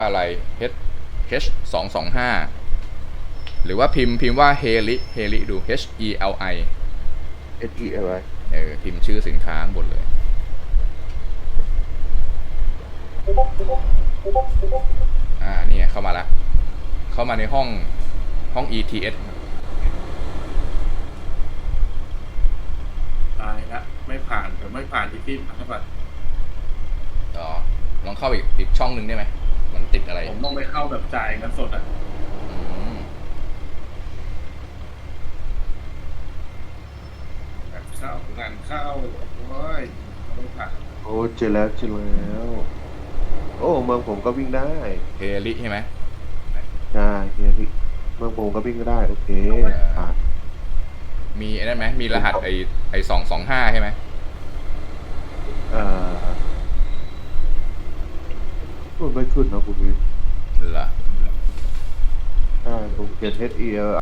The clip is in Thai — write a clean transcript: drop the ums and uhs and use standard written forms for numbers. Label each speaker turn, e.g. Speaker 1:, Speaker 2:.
Speaker 1: อะไร H H 225หรือว่าพิมพ์ว่าเฮลิดู H E L I
Speaker 2: SELI
Speaker 1: พิมพ์ชื่อสินค้าข้างบนเลยนี่เข้ามาแล้วเข้ามาในห้อง ETS
Speaker 3: ตายละไม่ผ่านแต่ไม่ผ่านที่พี่ผ่านเข้าไป
Speaker 1: อ๋อลองเข้าอีกช่องหนึ่งได้ไหมมันติดอะไร
Speaker 3: ผมต้องไปเข้าแบบจ่ายเงินสดอ่ะ
Speaker 1: อืม
Speaker 3: แบบเข้างานเข้าโอ้ยไม่ผ่าน
Speaker 2: โอ้เจอแล้วโอ้เมืองผมก็วิ่งได้
Speaker 1: เฮลิใช่ไหม
Speaker 2: ใช่เฮียพี่เมืองผมก็วิ่งก็ได้โอเคผ่าน
Speaker 1: มีไอ้นั่นไหมมีรหัสไอ225ใช่ไหม
Speaker 2: เอ่อมันไม่ขึ้นนะคุณวิน
Speaker 1: เหรอ
Speaker 2: ใช่ผมเขียน HEL